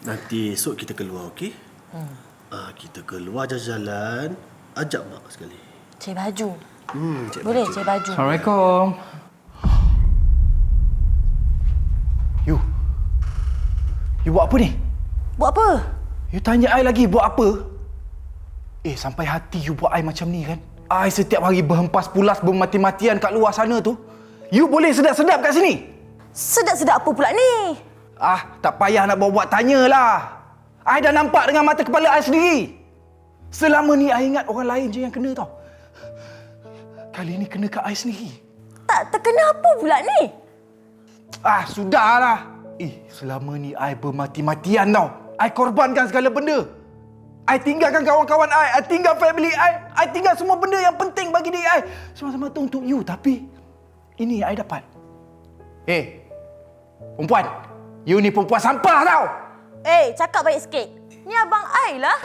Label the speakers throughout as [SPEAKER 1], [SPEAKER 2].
[SPEAKER 1] Nanti esok kita keluar, okey? Kita keluar jalan-jalan. Ajak mak sekali.
[SPEAKER 2] Cari baju.
[SPEAKER 1] Cari
[SPEAKER 2] Boleh
[SPEAKER 1] baju.
[SPEAKER 2] cari baju.
[SPEAKER 3] Assalamualaikum. You buat apa ni?
[SPEAKER 2] Buat apa?
[SPEAKER 3] You tanya I lagi buat apa? Sampai hati you buat I macam ni kan? I setiap hari berhempas pulas bermati-matian kat luar sana tu. You boleh sedap-sedap kat sini?
[SPEAKER 2] Sedap-sedap apa pula ni?
[SPEAKER 3] Tak payah nak buat tanyalah. I dah nampak dengan mata kepala I sendiri. Selama ni I ingat orang lain je yang kena tau. Kali ni kena kat I sendiri.
[SPEAKER 2] Tak terkena apa pula ni?
[SPEAKER 3] Sudahlah. Selama ni I bermati-matian tau. I korbankan segala benda. I tinggalkan kawan-kawan I tinggal family I tinggal semua benda yang penting bagi diri I. Semua-semua tu untuk you. Tapi ini I dapat. Perempuan. You ni perempuan sampah tau.
[SPEAKER 2] Cakap baik sikit. Ni abang I lah.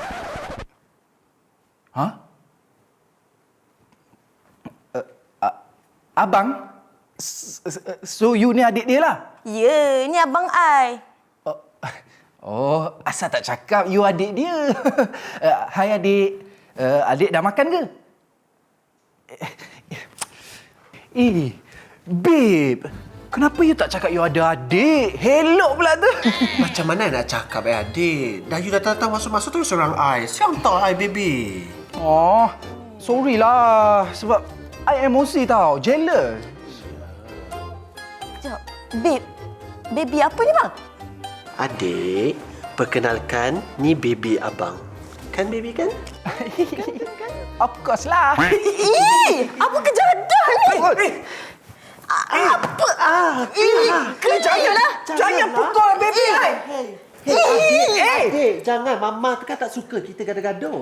[SPEAKER 3] Abang? So you ni adik dia lah?
[SPEAKER 2] Ya, ni abang I.
[SPEAKER 3] Asal tak cakap you adik dia. Hai adik. Adik dah makan ke? Babe. Kenapa you tak cakap you ada adik? Hello pula tu.
[SPEAKER 1] Macam mana nak cakap, adik? Dah you datang-datang masuk-masuk tu seorang I. Siapa tahu I, baby?
[SPEAKER 3] Sorry lah. Sebab I emosi tau. Jealous.
[SPEAKER 2] Sekejap. Babe. Baby apa ni bang?
[SPEAKER 1] Adik, perkenalkan, ni baby abang. Kan, baby kan?
[SPEAKER 3] Of course lah.
[SPEAKER 2] Apa kejadian ni? Apa?
[SPEAKER 3] Jangan pukul baby I.
[SPEAKER 1] Adik, jangan. Mama kan tak suka kita gaduh-gaduh.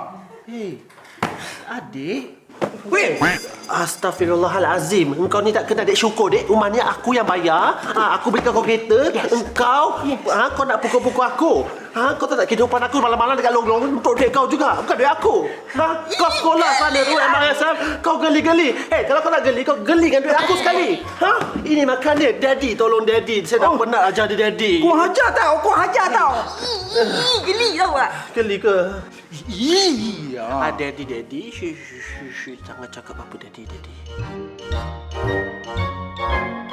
[SPEAKER 1] Adik. Astaghfirullahalazim. Engkau ni tak kena adik syukur, dek. Rumah ni aku yang bayar. Aku berikan kau kereta. Engkau, kau nak pukul-pukul aku. Kau tak kehidupan aku malam-malam dekat long-long untuk duit kau juga. Bukan duit aku. Kau sekolah sana tu, MRSM. Kau geli-geli. Kalau kau nak geli, kau geli dengan duit aku sekali. Ini makan dia. Daddy, tolong daddy. Saya dah penat ajar dia daddy.
[SPEAKER 3] Kau hajar tau.
[SPEAKER 2] Geli tau tak?
[SPEAKER 1] Geli ke? Daddy. Shh. Jangan cakap apa daddy.